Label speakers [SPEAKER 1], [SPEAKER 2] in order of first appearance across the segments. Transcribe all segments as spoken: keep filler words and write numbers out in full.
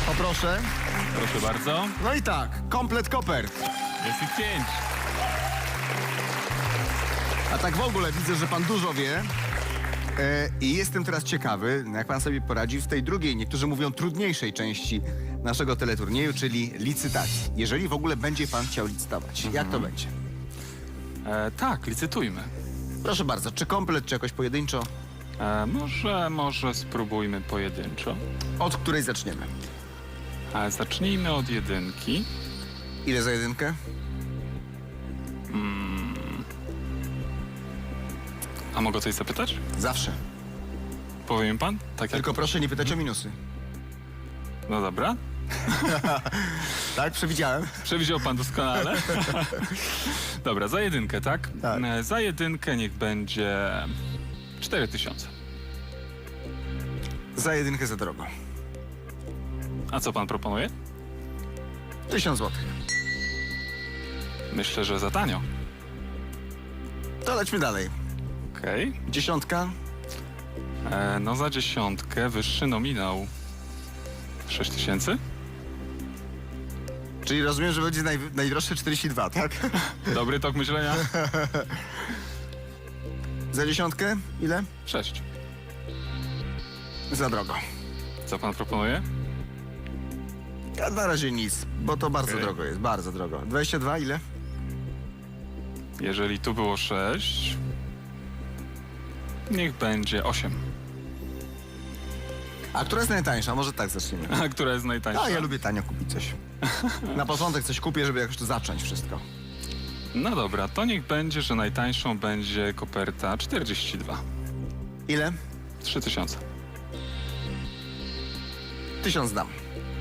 [SPEAKER 1] Poproszę.
[SPEAKER 2] Proszę bardzo.
[SPEAKER 1] No i tak, komplet kopert.
[SPEAKER 2] Jest ich pięć.
[SPEAKER 1] A tak w ogóle widzę, że pan dużo wie. E, I jestem teraz ciekawy, jak pan sobie poradzi w tej drugiej, niektórzy mówią trudniejszej części naszego teleturnieju, czyli licytacji. Jeżeli w ogóle będzie pan chciał licytować. Jak to będzie?
[SPEAKER 2] E, tak, licytujmy.
[SPEAKER 1] Proszę bardzo, czy komplet, czy jakoś pojedynczo?
[SPEAKER 2] E, może, może spróbujmy pojedynczo.
[SPEAKER 1] Od której zaczniemy?
[SPEAKER 2] E, zacznijmy od jedynki.
[SPEAKER 1] Ile za jedynkę?
[SPEAKER 2] A mogę coś zapytać?
[SPEAKER 1] Zawsze.
[SPEAKER 2] Powie mi pan? Tak jak...
[SPEAKER 1] Tylko proszę nie pytać o minusy.
[SPEAKER 2] No dobra.
[SPEAKER 1] Tak, przewidziałem.
[SPEAKER 2] Przewidział pan doskonale. Dobra, za jedynkę, tak?
[SPEAKER 1] Tak.
[SPEAKER 2] E, Za jedynkę niech będzie cztery tysiące.
[SPEAKER 1] Za jedynkę za drogo.
[SPEAKER 2] A co pan proponuje?
[SPEAKER 1] Tysiąc złotych.
[SPEAKER 2] Myślę, że za tanio.
[SPEAKER 1] To lećmy dalej.
[SPEAKER 2] Okej.
[SPEAKER 1] Dziesiątka.
[SPEAKER 2] E, No za dziesiątkę wyższy nominał. sześć tysięcy?
[SPEAKER 1] Czyli rozumiem, że będzie naj, najdroższe czterdzieści dwa, tak?
[SPEAKER 2] Dobry tok myślenia?
[SPEAKER 1] Za dziesiątkę? Ile?
[SPEAKER 2] sześć.
[SPEAKER 1] Za drogo.
[SPEAKER 2] Co pan proponuje?
[SPEAKER 1] A na razie nic, bo to bardzo
[SPEAKER 2] Okej.
[SPEAKER 1] drogo jest, bardzo drogo. dwadzieścia dwa ile?
[SPEAKER 2] Jeżeli tu było sześć, niech będzie osiem.
[SPEAKER 1] A która jest najtańsza? Może tak zaczniemy.
[SPEAKER 2] A która jest najtańsza?
[SPEAKER 1] A ja lubię tanio kupić coś. Na początek coś kupię, żeby jakoś to zacząć wszystko.
[SPEAKER 2] No dobra, to niech będzie, że najtańszą będzie koperta czterdzieści dwa.
[SPEAKER 1] Ile?
[SPEAKER 2] trzy tysiące.
[SPEAKER 1] Tysiąc dam.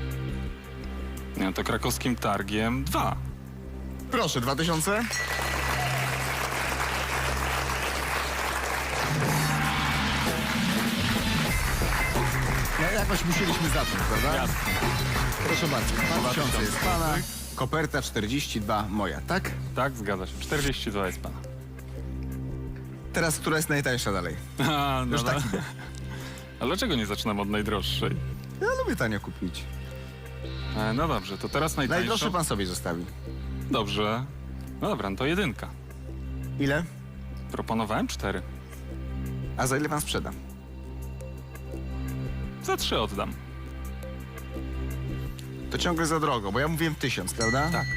[SPEAKER 2] No to krakowskim targiem dwa.
[SPEAKER 1] Proszę, dwa tysiące. Ja, jakoś musieliśmy zacząć, prawda?
[SPEAKER 2] Jasne.
[SPEAKER 1] Proszę bardzo, dwa
[SPEAKER 2] Dwa
[SPEAKER 1] tysiące
[SPEAKER 2] tysiące.
[SPEAKER 1] jest pana, koperta czterdzieści dwa moja, tak?
[SPEAKER 2] Tak, zgadza się. czterdzieści dwa jest pana.
[SPEAKER 1] Teraz która jest najtańsza dalej?
[SPEAKER 2] A, no
[SPEAKER 1] Już tak
[SPEAKER 2] da-
[SPEAKER 1] idę.
[SPEAKER 2] A dlaczego nie zaczynam od najdroższej?
[SPEAKER 1] Ja lubię tanio kupić.
[SPEAKER 2] E, no dobrze, to teraz najtańszą...
[SPEAKER 1] Najdroższe pan sobie zostawi.
[SPEAKER 2] Dobrze. No dobra, no to jedynka.
[SPEAKER 1] Ile?
[SPEAKER 2] Proponowałem cztery.
[SPEAKER 1] A za ile pan sprzeda?
[SPEAKER 2] Za trzy oddam.
[SPEAKER 1] To ciągle za drogo, bo ja mówiłem tysiąc, prawda?
[SPEAKER 2] Tak.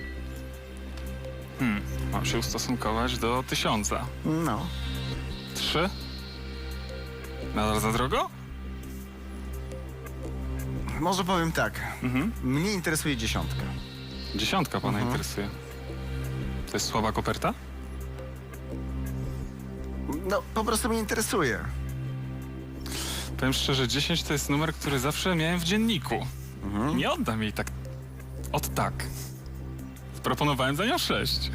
[SPEAKER 2] Hmm, mam się ustosunkować do tysiąca.
[SPEAKER 1] No.
[SPEAKER 2] Trzy? Nadal za drogo?
[SPEAKER 1] Może powiem tak.
[SPEAKER 2] Mhm.
[SPEAKER 1] Mnie interesuje dziesiątka.
[SPEAKER 2] Dziesiątka pana
[SPEAKER 1] Mhm.
[SPEAKER 2] interesuje. To jest słaba koperta?
[SPEAKER 1] No, po prostu mnie interesuje.
[SPEAKER 2] Powiem szczerze, dziesięć to jest numer, który zawsze miałem w dzienniku.
[SPEAKER 1] Mhm.
[SPEAKER 2] Nie oddam jej tak od tak. Proponowałem za nią sześć.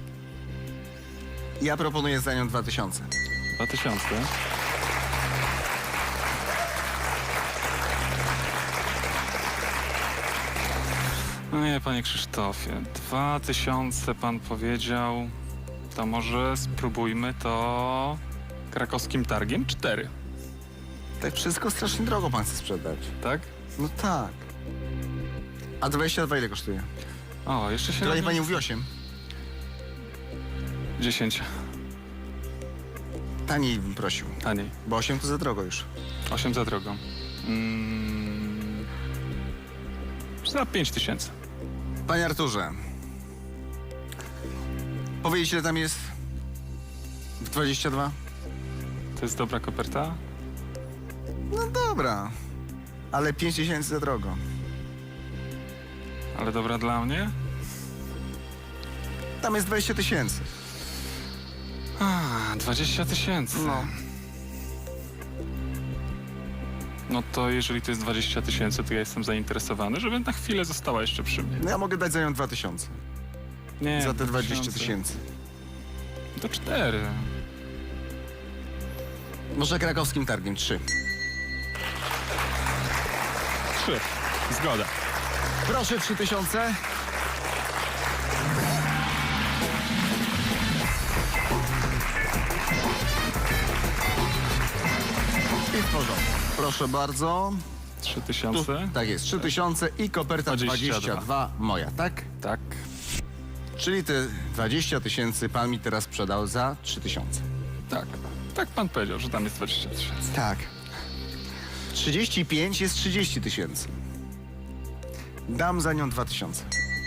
[SPEAKER 1] Ja proponuję za nią dwa tysiące.
[SPEAKER 2] Dwa tysiące. No nie, panie Krzysztofie. Dwa tysiące pan powiedział. To może spróbujmy to krakowskim targiem cztery,
[SPEAKER 1] Tak wszystko strasznie drogo pan chce sprzedać.
[SPEAKER 2] tak?
[SPEAKER 1] No tak. A dwadzieścia dwa ile kosztuje?
[SPEAKER 2] O, jeszcze się...
[SPEAKER 1] Tyle
[SPEAKER 2] robi-
[SPEAKER 1] pani mówi osiem.
[SPEAKER 2] dziesięć.
[SPEAKER 1] Taniej bym prosił,
[SPEAKER 2] Taniej.
[SPEAKER 1] bo osiem to za drogo już.
[SPEAKER 2] osiem za drogo. Mm, za pięć tysięcy.
[SPEAKER 1] Panie Arturze, powiedzieć ile tam jest w dwadzieścia dwa?
[SPEAKER 2] To jest dobra koperta?
[SPEAKER 1] No dobra, ale pięć tysięcy za drogo.
[SPEAKER 2] Ale dobra dla mnie?
[SPEAKER 1] Tam jest dwadzieścia tysięcy.
[SPEAKER 2] A, dwadzieścia tysięcy.
[SPEAKER 1] No.
[SPEAKER 2] No to jeżeli to jest dwadzieścia tysięcy, to ja jestem zainteresowany, żeby na chwilę została jeszcze przy mnie.
[SPEAKER 1] No ja mogę dać za nią dwa tysiące.
[SPEAKER 2] Nie,
[SPEAKER 1] Za te
[SPEAKER 2] dwa
[SPEAKER 1] dwadzieścia tysięcy.
[SPEAKER 2] To cztery.
[SPEAKER 1] Może krakowskim targiem trzy.
[SPEAKER 2] Trzy. Zgoda.
[SPEAKER 1] Proszę trzy tysiące. I w porządku. Proszę bardzo.
[SPEAKER 2] trzy
[SPEAKER 1] Tu,
[SPEAKER 2] tysiące?
[SPEAKER 1] tak jest, trzy tysiące i koperta
[SPEAKER 2] dwadzieścia dwa.
[SPEAKER 1] dwadzieścia dwa moja, tak?
[SPEAKER 2] Tak.
[SPEAKER 1] Czyli te dwadzieścia tysięcy pan mi teraz sprzedał za trzy tysiące.
[SPEAKER 2] Tak. Tak pan powiedział, że tam jest dwadzieścia tysięcy.
[SPEAKER 1] Tak. trzydzieści pięć jest trzydzieści tysięcy. Dam za nią dwa tysiące.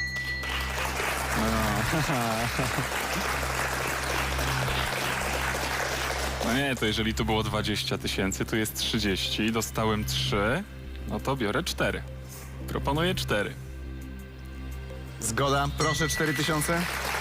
[SPEAKER 2] No nie, to jeżeli tu było dwadzieścia tysięcy, tu jest trzydzieści, dostałem trzy, no to biorę cztery. Proponuję cztery.
[SPEAKER 1] Zgoda, proszę cztery tysiące.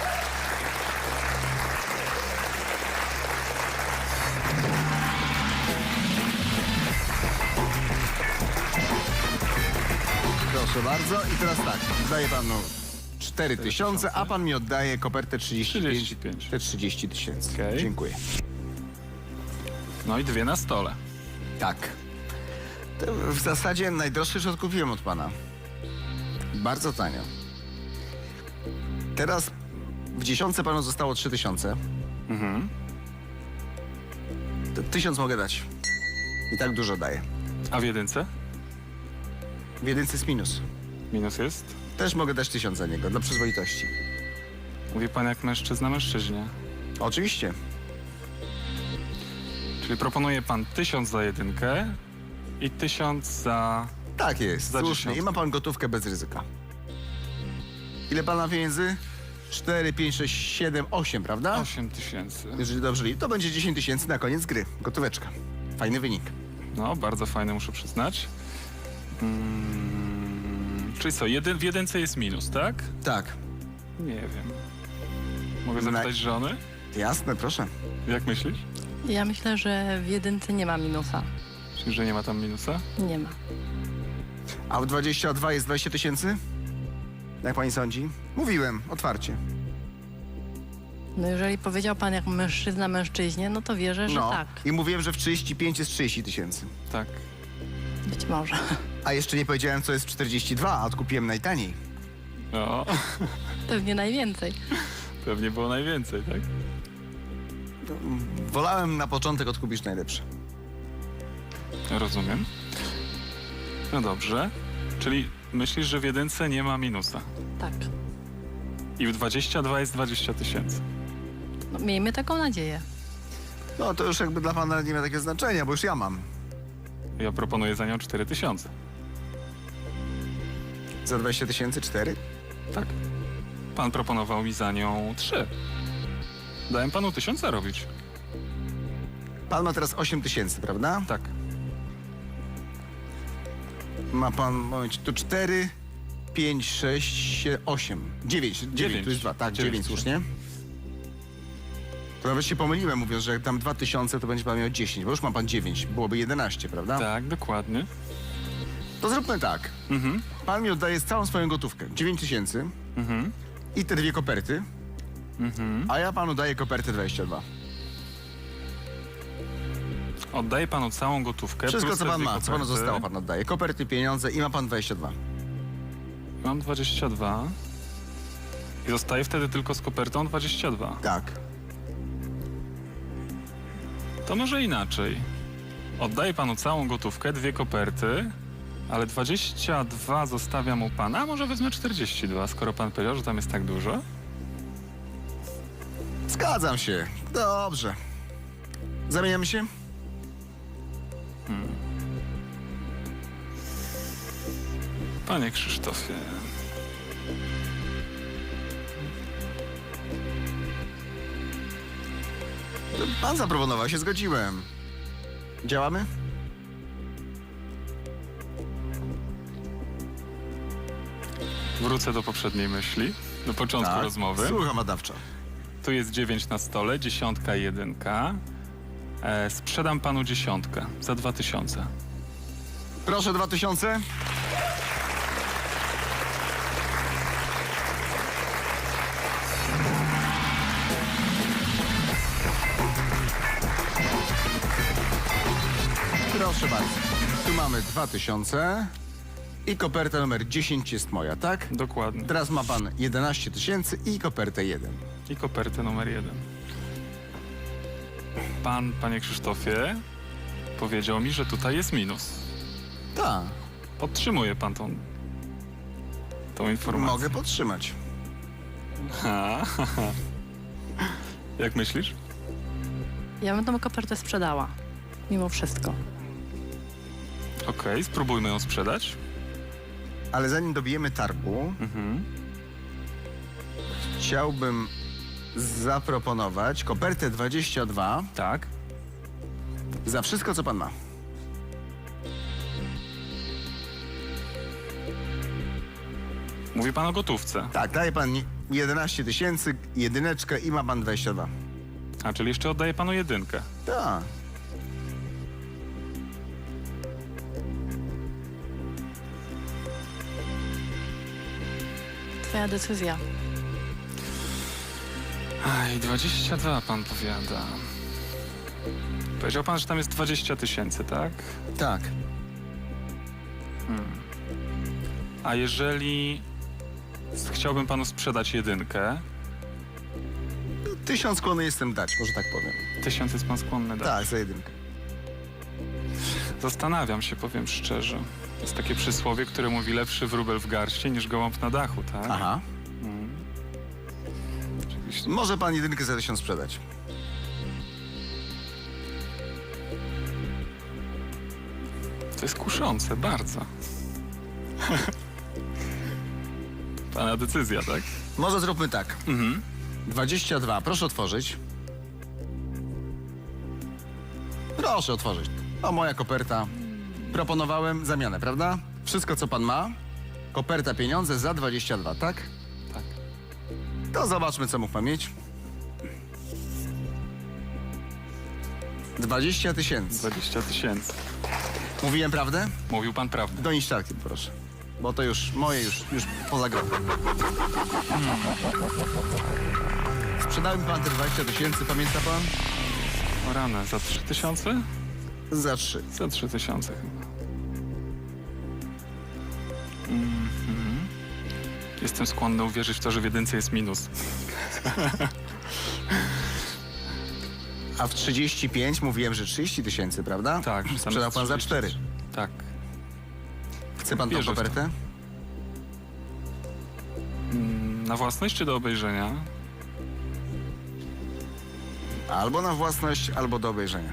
[SPEAKER 1] Proszę bardzo i teraz tak, daję panu cztery tysiące, a pan mi oddaje kopertę trzydzieści pięć,
[SPEAKER 2] trzydzieści pięć.
[SPEAKER 1] te trzydzieści tysięcy.
[SPEAKER 2] Okej.
[SPEAKER 1] Dziękuję.
[SPEAKER 2] No i dwie na stole.
[SPEAKER 1] Tak. To w zasadzie najdroższy już odkupiłem od pana. Bardzo tanio. Teraz w dziesiątce panu zostało trzy tysiące.
[SPEAKER 2] Mhm.
[SPEAKER 1] To tysiąc mogę dać. I tak dużo daję.
[SPEAKER 2] A w jedynce?
[SPEAKER 1] W jedynce jest minus.
[SPEAKER 2] Minus jest?
[SPEAKER 1] Też mogę dać tysiąc za niego, dla przyzwoitości.
[SPEAKER 2] Mówi pan jak mężczyzna mężczyźnie.
[SPEAKER 1] Oczywiście.
[SPEAKER 2] Czyli proponuje pan tysiąc za jedynkę i tysiąc za...
[SPEAKER 1] Tak jest,
[SPEAKER 2] Za
[SPEAKER 1] słusznie.
[SPEAKER 2] dziesiątkę.
[SPEAKER 1] I ma pan gotówkę bez ryzyka. Ile pan ma pieniędzy? cztery, pięć, sześć, siedem, osiem, prawda?
[SPEAKER 2] osiem tysięcy.
[SPEAKER 1] Jeżeli dobrze liczę, to będzie dziesięć tysięcy na koniec gry. Gotóweczka. Fajny wynik.
[SPEAKER 2] No, bardzo fajne, muszę przyznać. Mm, czyli co, jeden, w jedynce jest minus, tak?
[SPEAKER 1] Tak.
[SPEAKER 2] Nie wiem. Mogę
[SPEAKER 1] Na-
[SPEAKER 2] zapytać żony?
[SPEAKER 1] Jasne, proszę.
[SPEAKER 2] Jak myślisz?
[SPEAKER 3] Ja myślę, że w jedynce nie ma minusa.
[SPEAKER 2] Czyli, że nie ma tam minusa?
[SPEAKER 3] Nie ma.
[SPEAKER 1] A w dwadzieścia dwa jest dwadzieścia tysięcy? Jak pani sądzi? Mówiłem, otwarcie.
[SPEAKER 3] No jeżeli powiedział pan jak mężczyzna mężczyźnie, no to wierzę, że
[SPEAKER 1] No.
[SPEAKER 3] tak.
[SPEAKER 1] I mówiłem, że w trzydzieści pięć jest trzydzieści tysięcy.
[SPEAKER 2] Tak.
[SPEAKER 3] Być może.
[SPEAKER 1] A jeszcze nie powiedziałem, co jest w czterdzieści dwa, a odkupiłem najtaniej.
[SPEAKER 2] No,
[SPEAKER 3] Pewnie najwięcej.
[SPEAKER 2] pewnie było najwięcej, tak?
[SPEAKER 1] Wolałem na początek odkupić najlepsze.
[SPEAKER 2] Rozumiem. No dobrze. Czyli myślisz, że w jedynce nie ma minusa.
[SPEAKER 3] Tak.
[SPEAKER 2] I w dwadzieścia dwa jest dwadzieścia tysięcy.
[SPEAKER 3] No, miejmy taką nadzieję.
[SPEAKER 1] No to już jakby dla pana nie ma takiego znaczenia, bo już ja mam.
[SPEAKER 2] Ja proponuję za nią cztery tysiące.
[SPEAKER 1] Za dwadzieścia tysięcy cztery?
[SPEAKER 2] Tak. Pan proponował mi za nią trzy. Dałem panu tysiąc zarobić.
[SPEAKER 1] Pan ma teraz osiem tysięcy, prawda?
[SPEAKER 2] Tak.
[SPEAKER 1] Ma pan, moment, tu cztery, pięć, sześć, osiem, dziewięć. dziewięć, tu jest dwa, tak,
[SPEAKER 2] Dziewięć.
[SPEAKER 1] dziewięć, słusznie. To nawet się pomyliłem, mówiąc, że jak tam dwa tysiące, to będzie pan miał dziesięć, bo już ma pan dziewięć, byłoby jedenaście, prawda?
[SPEAKER 2] Tak, dokładnie.
[SPEAKER 1] To zróbmy tak.
[SPEAKER 2] Mhm.
[SPEAKER 1] Pan mi oddaje całą swoją gotówkę, dziewięć tysięcy
[SPEAKER 2] Mhm.
[SPEAKER 1] i te dwie koperty,
[SPEAKER 2] Mhm.
[SPEAKER 1] a ja panu daję kopertę dwadzieścia dwa.
[SPEAKER 2] Oddaję panu całą gotówkę.
[SPEAKER 1] Wszystko,
[SPEAKER 2] plus
[SPEAKER 1] co
[SPEAKER 2] te
[SPEAKER 1] pan
[SPEAKER 2] dwie
[SPEAKER 1] ma, co panu
[SPEAKER 2] koperty.
[SPEAKER 1] zostało, pan oddaje. Koperty, pieniądze i ma pan dwadzieścia dwa.
[SPEAKER 2] Mam dwadzieścia dwa. I zostaję wtedy tylko z kopertą dwadzieścia dwa.
[SPEAKER 1] Tak.
[SPEAKER 2] To może inaczej. Oddaję panu całą gotówkę, dwie koperty, ale dwadzieścia dwa zostawiam u pana, a może wezmę czterdzieści dwa, skoro pan powiedział, że tam jest tak dużo.
[SPEAKER 1] Zgadzam się. Dobrze. Zamieniamy się?
[SPEAKER 2] Panie Krzysztofie,
[SPEAKER 1] Pan zaproponował, się zgodziłem. Działamy?
[SPEAKER 2] wrócę do poprzedniej myśli, do początku rozmowy.
[SPEAKER 1] Słucham badawczo.
[SPEAKER 2] Tu jest dziewięć na stole, dziesiątka, jedynka. E, sprzedam panu dziesiątkę za dwa tysiące.
[SPEAKER 1] Proszę dwa tysiące. Proszę bardzo. Tu mamy dwa tysiące i koperta numer dziesięć jest moja, tak?
[SPEAKER 2] Dokładnie.
[SPEAKER 1] Teraz ma pan jedenaście tysięcy i kopertę jeden.
[SPEAKER 2] I kopertę numer jeden. Pan, panie Krzysztofie, powiedział mi, że tutaj jest minus.
[SPEAKER 1] Tak.
[SPEAKER 2] Podtrzymuje pan tą, tą informację.
[SPEAKER 1] Mogę podtrzymać.
[SPEAKER 2] Ha, ha, ha. Jak myślisz?
[SPEAKER 3] Ja bym tą kopertę sprzedała. Mimo wszystko.
[SPEAKER 2] Okej, spróbujmy ją sprzedać.
[SPEAKER 1] Ale zanim dobijemy targu,
[SPEAKER 2] Mhm.
[SPEAKER 1] chciałbym zaproponować kopertę dwadzieścia dwa
[SPEAKER 2] Tak.
[SPEAKER 1] za wszystko, co pan ma.
[SPEAKER 2] Mówi pan o gotówce.
[SPEAKER 1] Tak, daje pan jedenaście tysięcy, jedyneczkę i ma pan dwadzieścia dwa.
[SPEAKER 2] A, czyli jeszcze oddaję panu jedynkę.
[SPEAKER 1] Tak.
[SPEAKER 3] Twoja decyzja.
[SPEAKER 2] Aj, dwadzieścia dwa pan powiada. Powiedział pan, że tam jest dwadzieścia tysięcy, tak?
[SPEAKER 1] Tak.
[SPEAKER 2] A jeżeli chciałbym panu sprzedać jedynkę,
[SPEAKER 1] Tysiąc skłonny jestem dać, może tak powiem.
[SPEAKER 2] tysiąc jest pan skłonny dać.
[SPEAKER 1] Tak, za jedynkę.
[SPEAKER 2] Zastanawiam się, powiem szczerze. To jest takie przysłowie, które mówi lepszy wróbel w garści niż gołąb na dachu, tak?
[SPEAKER 1] Aha.
[SPEAKER 2] Mm. Oczywiście.
[SPEAKER 1] Może pan jedynkę za tysiąc sprzedać.
[SPEAKER 2] To jest kuszące, bardzo. Pana decyzja, tak?
[SPEAKER 1] Może zróbmy tak.
[SPEAKER 2] Mhm.
[SPEAKER 1] dwadzieścia dwa, proszę otworzyć. Proszę otworzyć. O, moja koperta. Proponowałem zamianę, prawda? Wszystko, co pan ma. Koperta, pieniądze za dwadzieścia dwa, tak?
[SPEAKER 2] Tak.
[SPEAKER 1] To zobaczmy, co mógł pan mieć. dwadzieścia tysięcy.
[SPEAKER 2] dwadzieścia tysięcy.
[SPEAKER 1] Mówiłem prawdę?
[SPEAKER 2] Mówił pan prawdę.
[SPEAKER 1] Do niszczarki, proszę. Bo to już moje, już, już poza grą. Sprzedałem pan te dwadzieścia tysięcy, pamięta pan?
[SPEAKER 2] O rany, za trzy tysiące?
[SPEAKER 1] Za trzy.
[SPEAKER 2] Za trzy tysiące chyba. Mhm. Jestem skłonny uwierzyć w to, że w jedynce jest minus.
[SPEAKER 1] A w trzydzieści pięć mówiłem, że trzydzieści tysięcy, prawda?
[SPEAKER 2] Tak. tam
[SPEAKER 1] Sprzedał
[SPEAKER 2] jest
[SPEAKER 1] pan za
[SPEAKER 2] trzydzieści.
[SPEAKER 1] cztery.
[SPEAKER 2] Tak.
[SPEAKER 1] Chce pan tą
[SPEAKER 2] Wierzę w to.
[SPEAKER 1] kopertę?
[SPEAKER 2] Mm, Na własność czy do obejrzenia?
[SPEAKER 1] Albo na własność, albo do obejrzenia.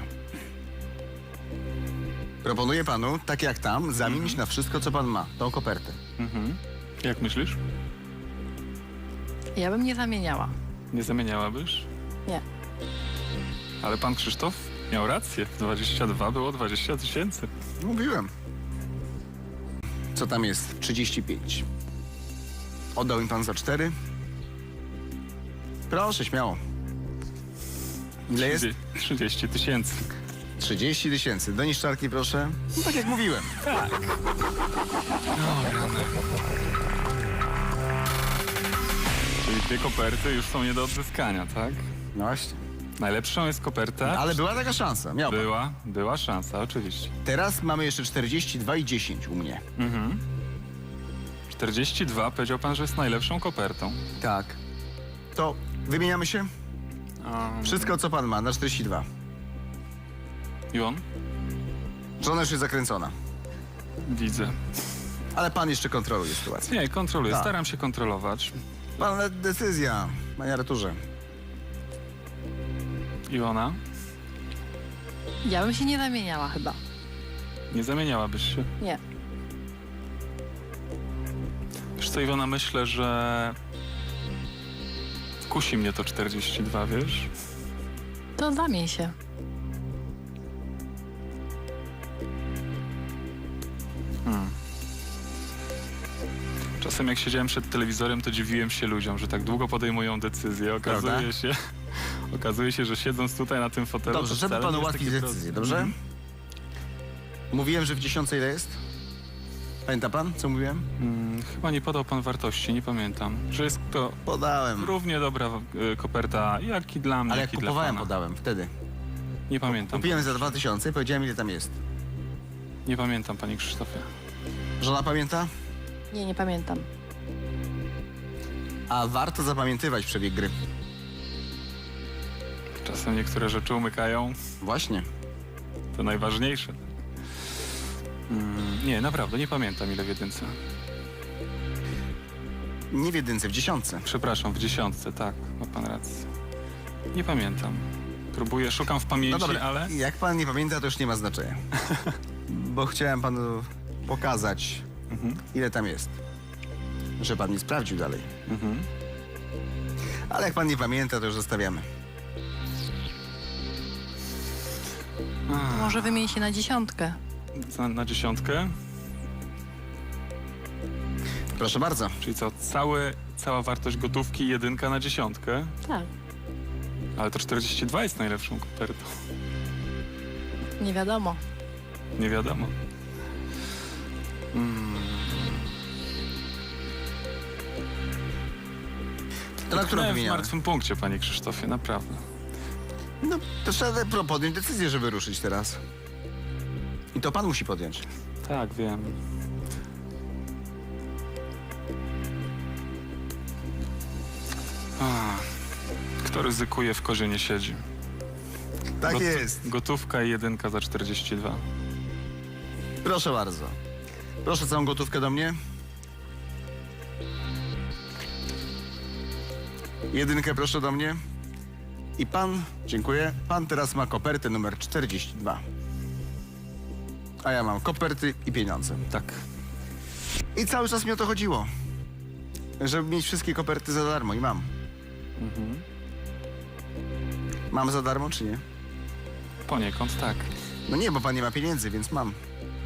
[SPEAKER 1] Proponuję panu, tak jak tam, zamienić na wszystko, co pan ma. Tą kopertę.
[SPEAKER 2] Mhm. Jak myślisz?
[SPEAKER 3] Ja bym nie zamieniała.
[SPEAKER 2] Nie zamieniałabyś?
[SPEAKER 3] Nie.
[SPEAKER 2] Ale pan Krzysztof miał rację. dwadzieścia dwa było dwadzieścia tysięcy.
[SPEAKER 1] Mówiłem. Co tam jest? trzydzieści pięć. Oddał mi pan za cztery? Proszę, śmiało. Ile jest?
[SPEAKER 2] trzydzieści tysięcy.
[SPEAKER 1] trzydzieści tysięcy. Do niszczarki, proszę. No, tak jak mówiłem.
[SPEAKER 2] Tak. O rany. Czyli dwie koperty już są nie do odzyskania, tak?
[SPEAKER 1] No właśnie.
[SPEAKER 2] Najlepszą jest koperta.
[SPEAKER 1] Ale była taka szansa. Miał pan.
[SPEAKER 2] Była, była szansa, oczywiście.
[SPEAKER 1] Teraz mamy jeszcze czterdzieści dwa i dziesięć u mnie.
[SPEAKER 2] Mhm. czterdzieści dwa powiedział pan, że jest najlepszą kopertą.
[SPEAKER 1] Tak. To wymieniamy się?
[SPEAKER 2] Um,
[SPEAKER 1] Wszystko, co pan ma, na czterdzieści dwa.
[SPEAKER 2] I on?
[SPEAKER 1] Żona już jest zakręcona.
[SPEAKER 2] Widzę.
[SPEAKER 1] Ale pan jeszcze kontroluje sytuację.
[SPEAKER 2] Nie, kontroluję.
[SPEAKER 1] Tak.
[SPEAKER 2] Staram się kontrolować.
[SPEAKER 1] Pan decyzja, panie Arturze.
[SPEAKER 2] Iwona?
[SPEAKER 3] Ja bym się nie zamieniała chyba.
[SPEAKER 2] Nie zamieniałabyś się.
[SPEAKER 3] Nie.
[SPEAKER 2] Wiesz co, Iwona, myślę, że kusi mnie to czterdzieści dwa, wiesz?
[SPEAKER 3] To zamień się.
[SPEAKER 2] Hmm. Czasem jak siedziałem przed telewizorem, to dziwiłem się ludziom, że tak długo podejmują decyzje. Okazuje
[SPEAKER 1] Prawda?
[SPEAKER 2] się, okazuje się, że siedząc tutaj na tym fotelu...
[SPEAKER 1] Dobrze,
[SPEAKER 2] to
[SPEAKER 1] żeby
[SPEAKER 2] wcale
[SPEAKER 1] panu
[SPEAKER 2] nie jest
[SPEAKER 1] ułatwić
[SPEAKER 2] takie
[SPEAKER 1] decyzję,
[SPEAKER 2] proste.
[SPEAKER 1] dobrze?
[SPEAKER 2] Mhm.
[SPEAKER 1] Mówiłem, że w dziesiątce ile jest? Pamięta pan, co mówiłem?
[SPEAKER 2] Hmm, chyba nie podał pan wartości, nie pamiętam. Że jest to
[SPEAKER 1] Podałem.
[SPEAKER 2] równie dobra y, koperta, jak i dla mnie,
[SPEAKER 1] Ale jak
[SPEAKER 2] jak i dla
[SPEAKER 1] kupowałem,
[SPEAKER 2] pana.
[SPEAKER 1] podałem wtedy.
[SPEAKER 2] Nie pamiętam.
[SPEAKER 1] Kupiłem za dwa tysiące i powiedziałem, ile tam jest.
[SPEAKER 2] Nie pamiętam, panie Krzysztofie.
[SPEAKER 1] Żona pamięta?
[SPEAKER 3] Nie, nie pamiętam.
[SPEAKER 1] A warto zapamiętywać przebieg gry.
[SPEAKER 2] Czasem niektóre rzeczy umykają,
[SPEAKER 1] Właśnie.
[SPEAKER 2] to najważniejsze. Mm, nie, naprawdę, nie pamiętam ile w jedynce.
[SPEAKER 1] Nie w jedynce, w dziesiątce.
[SPEAKER 2] Przepraszam, w dziesiątce, tak, ma pan rację. Nie pamiętam. Próbuję, szukam w
[SPEAKER 1] No
[SPEAKER 2] pamięci,
[SPEAKER 1] dobra,
[SPEAKER 2] ale...
[SPEAKER 1] jak pan nie pamięta, to już nie ma znaczenia. Bo chciałem panu pokazać,
[SPEAKER 2] Mhm,
[SPEAKER 1] ile tam jest. Że pan nie sprawdził dalej.
[SPEAKER 2] mhm.
[SPEAKER 1] Ale jak pan nie pamięta, to już zostawiamy.
[SPEAKER 2] A,
[SPEAKER 3] Może wymień się na dziesiątkę.
[SPEAKER 2] na, na dziesiątkę?
[SPEAKER 1] Proszę bardzo.
[SPEAKER 2] Czyli co, cały, cała wartość gotówki jedynka na dziesiątkę?
[SPEAKER 3] Tak.
[SPEAKER 2] Ale to czterdzieści dwa jest najlepszą kopertą.
[SPEAKER 3] Nie wiadomo.
[SPEAKER 2] Nie wiadomo. Mm.
[SPEAKER 1] To na którą
[SPEAKER 2] Tknąłem w
[SPEAKER 1] wymieniamy?
[SPEAKER 2] martwym punkcie, panie Krzysztofie, naprawdę.
[SPEAKER 1] No, to trzeba pro- podjąć decyzję, żeby ruszyć teraz. I to pan musi podjąć.
[SPEAKER 2] Tak, wiem. A, kto ryzykuje, w kozie nie siedzi.
[SPEAKER 1] Tak
[SPEAKER 2] Got-
[SPEAKER 1] jest.
[SPEAKER 2] Gotówka i jedynka za czterdzieści dwa.
[SPEAKER 1] Proszę bardzo. Proszę całą gotówkę do mnie. Jedynkę proszę do mnie. I pan, dziękuję, pan teraz ma kopertę numer czterdzieści dwa. A ja mam koperty i pieniądze.
[SPEAKER 2] Tak.
[SPEAKER 1] I cały czas mi o to chodziło. Żeby mieć wszystkie koperty za darmo i mam.
[SPEAKER 2] Mhm.
[SPEAKER 1] Mam za darmo czy nie?
[SPEAKER 2] Poniekąd tak.
[SPEAKER 1] No nie, bo pan nie ma pieniędzy, więc mam.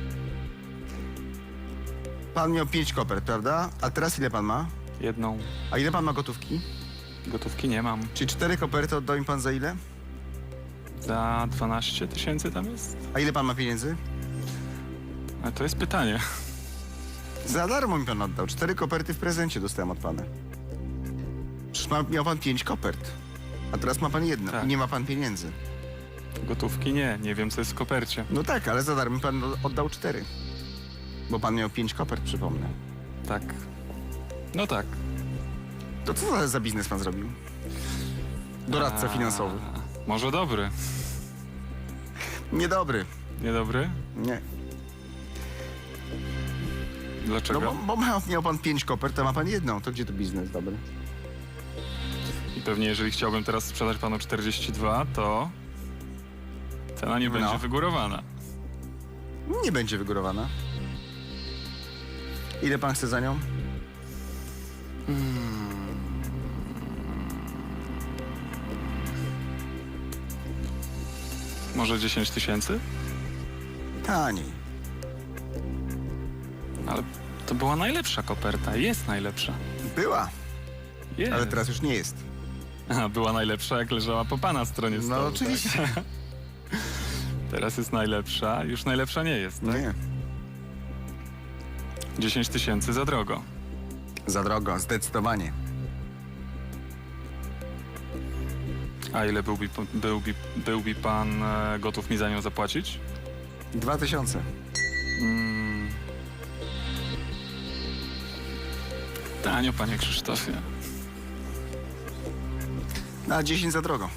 [SPEAKER 1] Pan miał pięć kopert, prawda? A teraz ile pan ma?
[SPEAKER 2] Jedną.
[SPEAKER 1] A ile pan ma gotówki?
[SPEAKER 2] Gotówki nie mam.
[SPEAKER 1] Czyli cztery koperty oddał mi pan za ile?
[SPEAKER 2] Za dwanaście tysięcy tam jest?
[SPEAKER 1] A ile pan ma pieniędzy?
[SPEAKER 2] Ale to jest pytanie.
[SPEAKER 1] Za darmo mi pan oddał. Cztery koperty w prezencie dostałem od pana. Przecież ma, miał pan pięć kopert. A teraz ma pan jedno.
[SPEAKER 2] Tak.
[SPEAKER 1] I nie ma pan pieniędzy.
[SPEAKER 2] Gotówki nie. Nie wiem, co jest w kopercie.
[SPEAKER 1] No tak, ale za darmo mi pan oddał cztery. Bo pan miał pięć kopert, przypomnę.
[SPEAKER 2] Tak. No tak.
[SPEAKER 1] To co za, za biznes pan zrobił? Doradca
[SPEAKER 2] A,
[SPEAKER 1] finansowy.
[SPEAKER 2] Może dobry.
[SPEAKER 1] Niedobry.
[SPEAKER 2] Niedobry?
[SPEAKER 1] Nie.
[SPEAKER 2] Dlaczego?
[SPEAKER 1] No bo, bo miał, miał pan pięć kopert, a ma pan jedną. To gdzie to biznes dobry?
[SPEAKER 2] I pewnie jeżeli chciałbym teraz sprzedać panu czterdzieści dwa, to cena nie
[SPEAKER 1] No.
[SPEAKER 2] będzie wygórowana.
[SPEAKER 1] Nie będzie wygórowana. Ile pan chce za nią?
[SPEAKER 2] Może dziesięć tysięcy?
[SPEAKER 1] Taniej.
[SPEAKER 2] Ale to była najlepsza koperta. Jest najlepsza.
[SPEAKER 1] Była,
[SPEAKER 2] Jest.
[SPEAKER 1] ale teraz już nie jest.
[SPEAKER 2] A, była najlepsza, jak leżała po pana stronie stołu.
[SPEAKER 1] No oczywiście.
[SPEAKER 2] Tak? Teraz jest najlepsza. Już najlepsza nie jest, tak?
[SPEAKER 1] Nie.
[SPEAKER 2] dziesięć tysięcy za drogo.
[SPEAKER 1] Za drogo, zdecydowanie.
[SPEAKER 2] A ile byłby, byłby, byłby pan e, gotów mi za nią zapłacić?
[SPEAKER 1] Dwa tysiące.
[SPEAKER 2] Mm. Tanio, panie Krzysztofie.
[SPEAKER 1] Na dziesięć za drogo.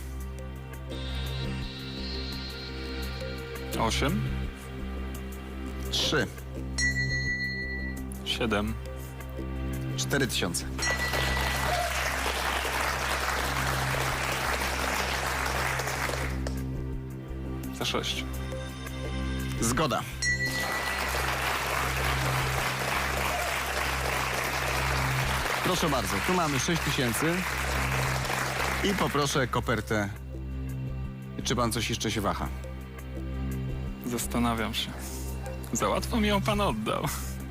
[SPEAKER 2] Osiem?
[SPEAKER 1] Trzy.
[SPEAKER 2] Siedem.
[SPEAKER 1] Cztery tysiące.
[SPEAKER 2] Za sześć.
[SPEAKER 1] Zgoda. Proszę bardzo, tu mamy sześć tysięcy. I poproszę kopertę. Czy pan coś jeszcze się waha?
[SPEAKER 2] Zastanawiam się. Za łatwo mi ją pan oddał.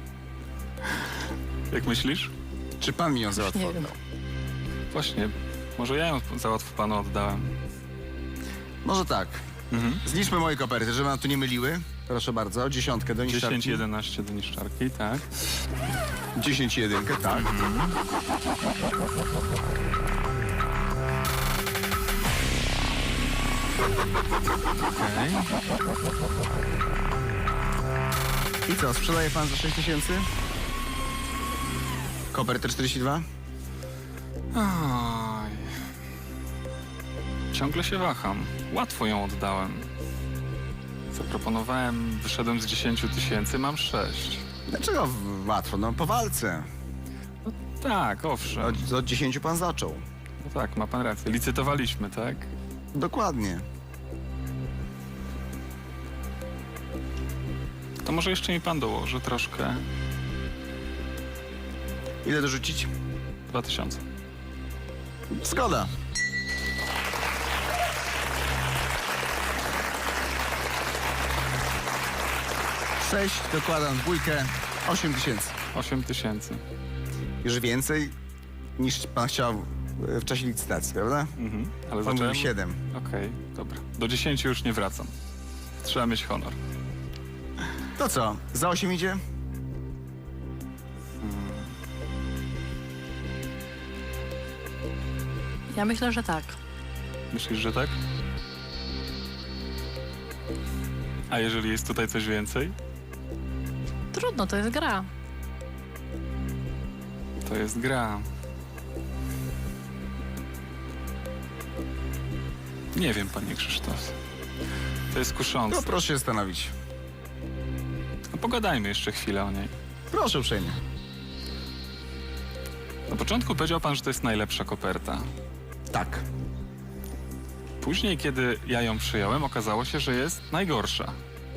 [SPEAKER 2] Jak myślisz?
[SPEAKER 1] Czy pan mi ją za łatwo
[SPEAKER 3] Nie wiem.
[SPEAKER 1] oddał?
[SPEAKER 2] Właśnie, może ja ją za łatwo panu oddałem.
[SPEAKER 1] Może tak.
[SPEAKER 2] Mhm.
[SPEAKER 1] Zliczmy moje koperty, żeby nam tu nie myliły. Proszę bardzo, dziesiątkę do niszczarki.
[SPEAKER 2] dziesięć, jedenaście do niszczarki, tak.
[SPEAKER 1] dziesięć i jedynkę, tak.
[SPEAKER 2] Okej.
[SPEAKER 1] I co, sprzedaje pan za sześć tysięcy? Kopertę czterdzieści dwa?
[SPEAKER 2] Oj. Ciągle się waham. Łatwo ją oddałem. Zaproponowałem, wyszedłem z dziesięciu tysięcy, mam sześć.
[SPEAKER 1] Dlaczego w- łatwo? No po walce.
[SPEAKER 2] Tak, owszem.
[SPEAKER 1] Od, od dziesięciu pan zaczął.
[SPEAKER 2] No tak, ma pan rację. Licytowaliśmy, tak?
[SPEAKER 1] Dokładnie.
[SPEAKER 2] To może jeszcze mi pan dołoży troszkę.
[SPEAKER 1] Ile dorzucić?
[SPEAKER 2] Dwa tysiące.
[SPEAKER 1] Zgoda. Sześć, dokładam dwójkę, osiem tysięcy.
[SPEAKER 2] Osiem tysięcy.
[SPEAKER 1] Już więcej niż pan chciał w czasie licytacji, prawda?
[SPEAKER 2] Mhm. Ale
[SPEAKER 1] Pan
[SPEAKER 2] zacząłem...
[SPEAKER 1] mówił siedem.
[SPEAKER 2] Okej, dobra. Do dziesięciu już nie wracam. Trzeba mieć honor.
[SPEAKER 1] To co, za osiem idzie?
[SPEAKER 3] Ja myślę, że tak.
[SPEAKER 2] Myślisz, że tak? A jeżeli jest tutaj coś więcej?
[SPEAKER 3] Trudno, to jest gra.
[SPEAKER 2] To jest gra. Nie wiem, panie Krzysztof. To jest
[SPEAKER 1] No
[SPEAKER 2] kuszące.
[SPEAKER 1] proszę się zastanowić.
[SPEAKER 2] No, pogadajmy jeszcze chwilę o niej.
[SPEAKER 1] Proszę uprzejmie.
[SPEAKER 2] Na początku powiedział pan, że to jest najlepsza koperta.
[SPEAKER 1] Tak.
[SPEAKER 2] Później, kiedy ja ją przyjąłem, okazało się, że jest najgorsza.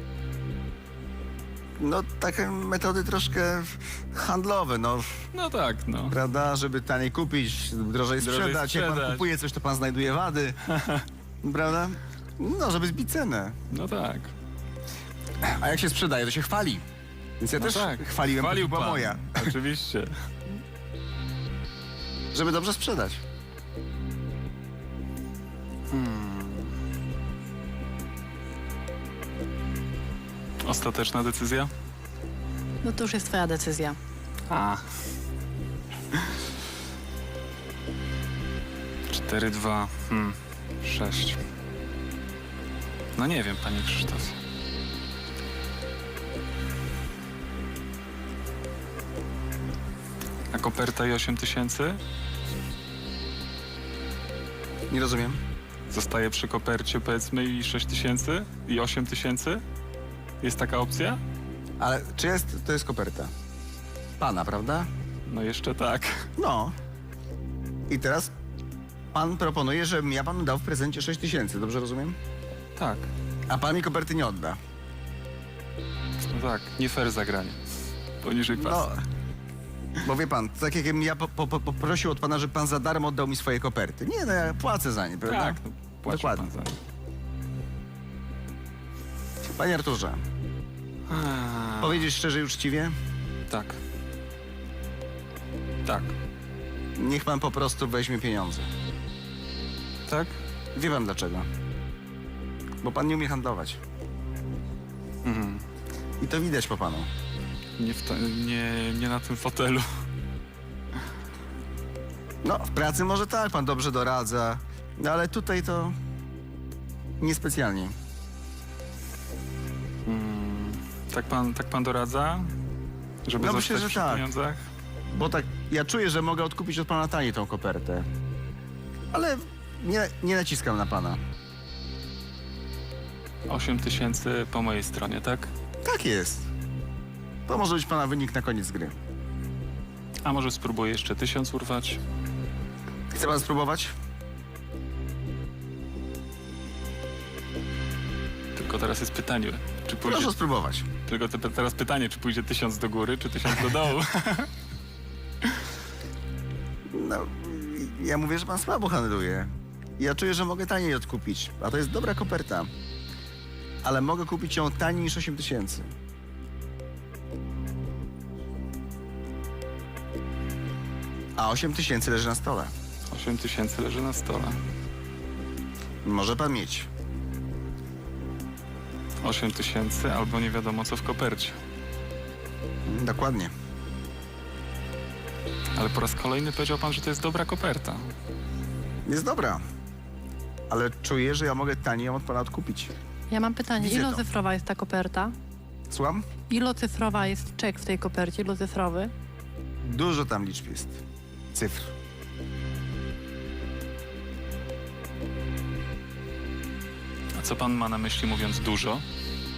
[SPEAKER 1] No takie metody troszkę handlowe, no.
[SPEAKER 2] No tak, no.
[SPEAKER 1] Prawda, żeby taniej kupić, drożej
[SPEAKER 2] Drożej
[SPEAKER 1] sprzedać. Jak pan
[SPEAKER 2] sprzedać.
[SPEAKER 1] kupuje coś, to pan znajduje wady. Prawda? No, żeby zbić cenę.
[SPEAKER 2] No tak.
[SPEAKER 1] A jak się sprzedaje, to się chwali. Więc ja
[SPEAKER 2] No
[SPEAKER 1] też
[SPEAKER 2] tak.
[SPEAKER 1] chwaliłem,
[SPEAKER 2] Chwalił
[SPEAKER 1] to była
[SPEAKER 2] pan.
[SPEAKER 1] moja.
[SPEAKER 2] Oczywiście.
[SPEAKER 1] Żeby dobrze sprzedać.
[SPEAKER 2] Ostateczna decyzja?
[SPEAKER 3] No to już jest twoja decyzja.
[SPEAKER 2] A. Cztery, dwa, hmm, sześć. No nie wiem, panie Krzysztof. A koperta i osiem tysięcy?
[SPEAKER 1] Nie rozumiem.
[SPEAKER 2] Zostaje przy kopercie, powiedzmy, i sześć tysięcy? I osiem tysięcy? Jest taka opcja?
[SPEAKER 1] Ale czy jest, to jest koperta? Pana, prawda?
[SPEAKER 2] No jeszcze tak.
[SPEAKER 1] No. I teraz pan proponuje, żebym ja panu dał w prezencie sześć tysięcy, dobrze rozumiem?
[SPEAKER 2] Tak.
[SPEAKER 1] A pan mi koperty nie odda.
[SPEAKER 2] No tak, nie fair zagranie. Poniżej
[SPEAKER 1] No.
[SPEAKER 2] pasa.
[SPEAKER 1] Bo wie pan, tak jakbym ja po, po, po, poprosił od pana, żeby pan za darmo oddał mi swoje koperty. Nie, no ja płacę za nie, prawda?
[SPEAKER 2] Tak, no, płaci
[SPEAKER 1] Dokładnie.
[SPEAKER 2] pan za nie.
[SPEAKER 1] Panie Arturze,
[SPEAKER 2] A,
[SPEAKER 1] powiedzieć szczerze i uczciwie,
[SPEAKER 2] Tak. Tak.
[SPEAKER 1] niech pan po prostu weźmie pieniądze.
[SPEAKER 2] Tak?
[SPEAKER 1] Wie pan dlaczego? Bo pan nie umie handlować.
[SPEAKER 2] Mhm.
[SPEAKER 1] I to widać po panu.
[SPEAKER 2] Nie, w to, nie, nie na tym fotelu.
[SPEAKER 1] No, w pracy może tak, pan dobrze doradza, no ale tutaj to niespecjalnie.
[SPEAKER 2] Mm, tak, pan, tak pan doradza? Żeby
[SPEAKER 1] No
[SPEAKER 2] zostać
[SPEAKER 1] myślę, że
[SPEAKER 2] przy
[SPEAKER 1] tak.
[SPEAKER 2] pieniądzach?
[SPEAKER 1] Bo tak, ja czuję, że mogę odkupić od pana taniej tą kopertę. Ale nie, nie naciskam na pana.
[SPEAKER 2] osiem tysięcy po mojej stronie, tak?
[SPEAKER 1] Tak jest. To może być pana wynik na koniec gry.
[SPEAKER 2] A może spróbuję jeszcze tysiąc urwać?
[SPEAKER 1] Chce pan spróbować?
[SPEAKER 2] Tylko teraz jest pytanie, czy pójdzie...
[SPEAKER 1] Proszę spróbować.
[SPEAKER 2] Tylko te, teraz pytanie, czy pójdzie tysiąc do góry, czy tysiąc do dołu?
[SPEAKER 1] No, ja mówię, że pan słabo handluje. Ja czuję, że mogę taniej odkupić, a to jest dobra koperta. Ale mogę kupić ją taniej niż osiem tysięcy. A osiem tysięcy leży na stole.
[SPEAKER 2] osiem tysięcy leży na stole.
[SPEAKER 1] Może pan mieć.
[SPEAKER 2] osiem tysięcy albo nie wiadomo co w kopercie.
[SPEAKER 1] Mm, Dokładnie.
[SPEAKER 2] Ale po raz kolejny powiedział pan, że to jest dobra koperta.
[SPEAKER 1] Jest dobra. Ale czuję, że ja mogę taniej ją od pana odkupić.
[SPEAKER 3] Ja mam pytanie,
[SPEAKER 1] Widzę to.
[SPEAKER 3] ilocyfrowa jest ta koperta?
[SPEAKER 1] Słucham?
[SPEAKER 3] Ilocyfrowa jest czek w tej kopercie, ilocyfrowy?
[SPEAKER 1] Dużo tam liczb jest. Cyfr.
[SPEAKER 2] A co pan ma na myśli mówiąc dużo?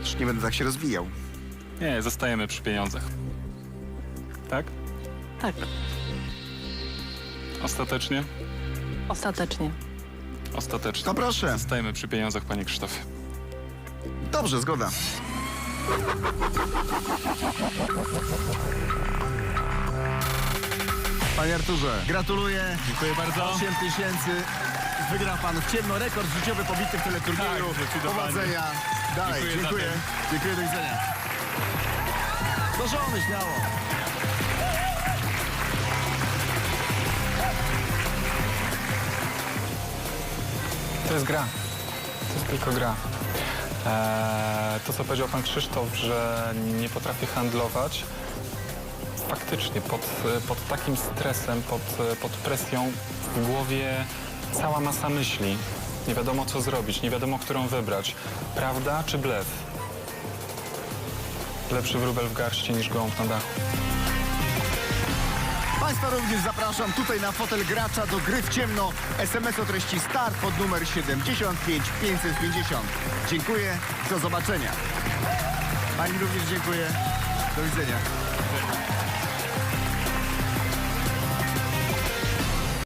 [SPEAKER 1] Już nie będę tak się rozwijał.
[SPEAKER 2] Nie, zostajemy przy pieniądzach. Tak?
[SPEAKER 3] Tak,
[SPEAKER 2] Ostatecznie?
[SPEAKER 3] ostatecznie.
[SPEAKER 2] Ostatecznie.
[SPEAKER 1] To proszę.
[SPEAKER 2] Zostajemy przy pieniądzach, panie Krzysztofie.
[SPEAKER 1] Dobrze, zgoda. Panie Arturze, gratuluję.
[SPEAKER 2] Dziękuję bardzo.
[SPEAKER 1] osiem tysięcy. Wygrał pan w ciemno rekord życiowy pobity w teleturnieju.
[SPEAKER 2] Tak, zdecydowanie.
[SPEAKER 1] Powodzenia. Dalej,
[SPEAKER 2] Dziękuję za
[SPEAKER 1] dziękuję.
[SPEAKER 2] ten.
[SPEAKER 1] Dziękuję, do widzenia. Do żony, śmiało.
[SPEAKER 4] To jest gra. To jest tylko gra. Eee, to, co powiedział pan Krzysztof, że nie potrafię handlować, faktycznie pod, pod takim stresem, pod, pod presją w głowie cała masa myśli. Nie wiadomo, co zrobić, nie wiadomo, którą wybrać. Prawda czy blef? Lepszy wróbel w garści niż gołąb na dachu.
[SPEAKER 1] Państwa również zapraszam tutaj na fotel gracza do gry w ciemno. S M S o treści start pod numer siedemdziesiąt pięć pięćset pięćdziesiąt. Dziękuję, do zobaczenia. Pani również dziękuję. Do widzenia.